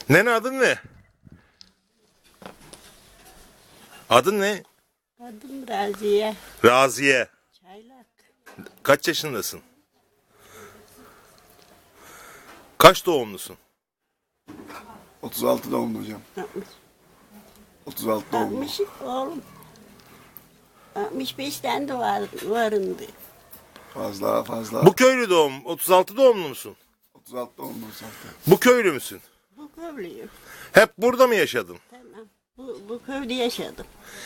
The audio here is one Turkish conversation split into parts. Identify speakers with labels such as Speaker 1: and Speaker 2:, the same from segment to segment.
Speaker 1: Nene adın ne? Adın ne?
Speaker 2: Adım Raziye.
Speaker 1: Raziye.
Speaker 2: Çaylak.
Speaker 1: Kaç yaşındasın? Kaç doğumlusun?
Speaker 3: 36 doğumlu hocam. 36 doğumlu.
Speaker 2: 60 oğlum. 65'ten de varındı.
Speaker 3: Fazla.
Speaker 1: Bu köylü doğum. 36 doğumlu musun?
Speaker 3: 36 doğumlu zaten.
Speaker 1: Bu köylü müsün?
Speaker 2: Bu köylüyüm.
Speaker 1: Hep burada mı yaşadın?
Speaker 2: Tamam. Bu köyde yaşadım.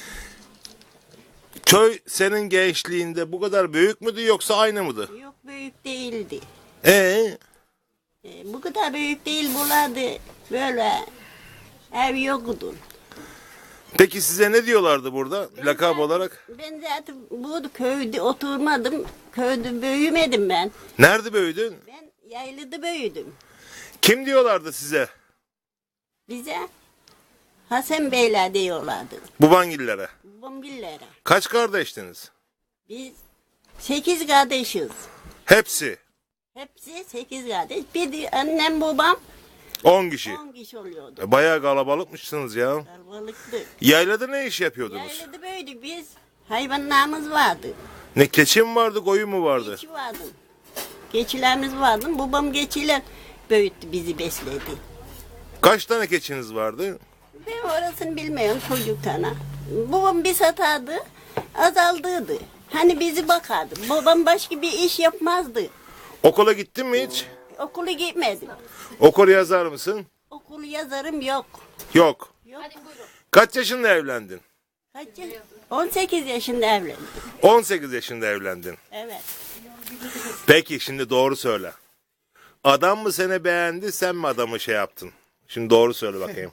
Speaker 1: Köy senin gençliğinde bu kadar büyük müydü yoksa aynı mıydı?
Speaker 2: Yok büyük değildi.
Speaker 1: Ee,
Speaker 2: Bu kadar büyük değil buralarda böyle ev yoktu.
Speaker 1: peki size ne diyorlardı burada lakap olarak?
Speaker 2: Ben zaten bu köyde oturmadım. Köyde büyümedim ben.
Speaker 1: Nerede büyüdün?
Speaker 2: Ben yaylıda büyüdüm.
Speaker 1: Kim diyorlardı size?
Speaker 2: Bize Hasan Beyler diyorlardı.
Speaker 1: Babangillere.
Speaker 2: Bombillere.
Speaker 1: Kaç kardeştiniz?
Speaker 2: Biz 8 kardeşiz.
Speaker 1: Hepsi.
Speaker 2: Hepsi 8 kardeş. Bir de annem babam
Speaker 1: 10 kişi.
Speaker 2: 10 kişi oluyordu.
Speaker 1: Bayağı kalabalıkmışsınız ya.
Speaker 2: Kalabalıktı.
Speaker 1: Yaylada ne iş yapıyordunuz?
Speaker 2: Yaylada büyüdük biz. Hayvanlarımız vardı.
Speaker 1: Ne keçi mi vardı, koyun mu vardı?
Speaker 2: Keçi vardı. Keçilerimiz vardı. Babam keçiler büyüttü, bizi besledi.
Speaker 1: Kaç tane keçiniz vardı?
Speaker 2: Ben orasını bilmiyorum çocuktan. Babam bir satardı, azaldıydı. Hani bizi bakardı. Babam başka bir iş yapmazdı.
Speaker 1: Okula gittin mi hiç?
Speaker 2: Okula gitmedim.
Speaker 1: Okul yazar mısın?
Speaker 2: Okul yazarım yok.
Speaker 1: Yok.
Speaker 2: Yok.
Speaker 1: Kaç yaşında evlendin?
Speaker 2: Kaç yaş? 18 yaşında evlendim.
Speaker 1: 18 yaşında evlendin.
Speaker 2: Evet.
Speaker 1: Peki şimdi doğru söyle. Adam mı seni beğendi, sen mi adamı şey yaptın? Şimdi doğru söyle bakayım.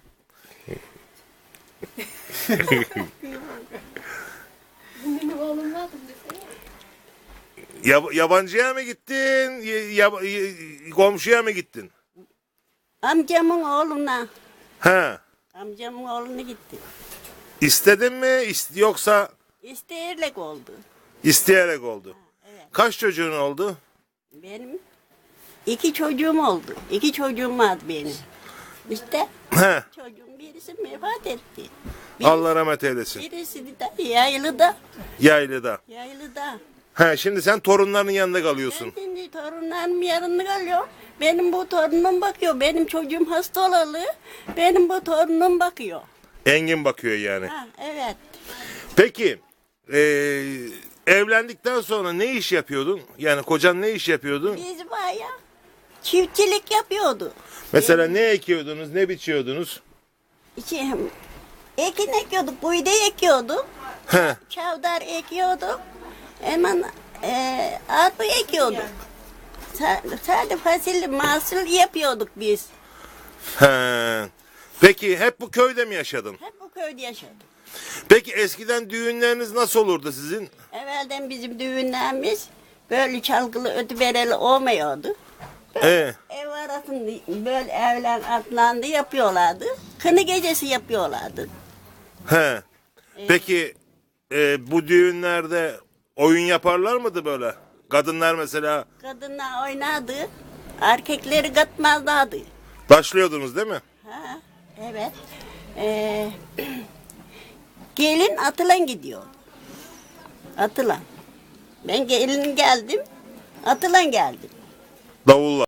Speaker 1: Yabancıya mı gittin? Komşuya mı gittin?
Speaker 2: Amcamın oğluna.
Speaker 1: He.
Speaker 2: Amcamın oğluna gitti.
Speaker 1: İstedin mi yoksa
Speaker 2: İsteyerek oldu.
Speaker 1: isteyerek oldu?
Speaker 2: Evet.
Speaker 1: Kaç çocuğun oldu?
Speaker 2: Benim 2 çocuğum oldu. 2 çocuğum vardı benim. İşte
Speaker 1: He.
Speaker 2: çocuğum birisi vefat etti.
Speaker 1: Allah rahmet eylesin.
Speaker 2: Birisi de yaylıda.
Speaker 1: Yaylıda.
Speaker 2: Yaylıda.
Speaker 1: He, şimdi sen torunların yanında kalıyorsun.
Speaker 2: Ben şimdi torunlarım yanında kalıyor. Benim bu torunum bakıyor. Benim çocuğum hasta olalı. Benim bu torunum bakıyor.
Speaker 1: Engin bakıyor yani.
Speaker 2: Ha, evet.
Speaker 1: Peki evlendikten sonra ne iş yapıyordun? Yani kocan ne iş yapıyordu?
Speaker 2: Biz bayağı çiftçilik yapıyordu.
Speaker 1: Mesela ne ekiyordunuz, ne biçiyordunuz?
Speaker 2: İşte, ekin ekiyorduk, buğday ekiyorduk.
Speaker 1: He.
Speaker 2: Çavdar ekiyorduk. Hemen arpa ekiyorduk. Sadece fasulye mahsul yapıyorduk biz.
Speaker 1: He. Peki hep bu köyde mi yaşadın?
Speaker 2: Hep bu köyde yaşadık.
Speaker 1: Peki eskiden düğünleriniz nasıl olurdu sizin?
Speaker 2: Evvelden bizim düğünlerimiz böyle çalgılı ötübereli olmuyordu. Ev arasında böyle evler atlandı yapıyorlardı. Kını gecesi yapıyorlardı.
Speaker 1: He. Peki bu düğünlerde oyun yaparlar mıydı böyle? Kadınlar mesela
Speaker 2: Kadınlar oynardı. Erkekleri katmazlardı.
Speaker 1: başlıyordunuz değil mi?
Speaker 2: Ha, evet. Gelin atılan gidiyor. Atılan. Ben gelin geldim. Atılan geldim.
Speaker 1: Davulla.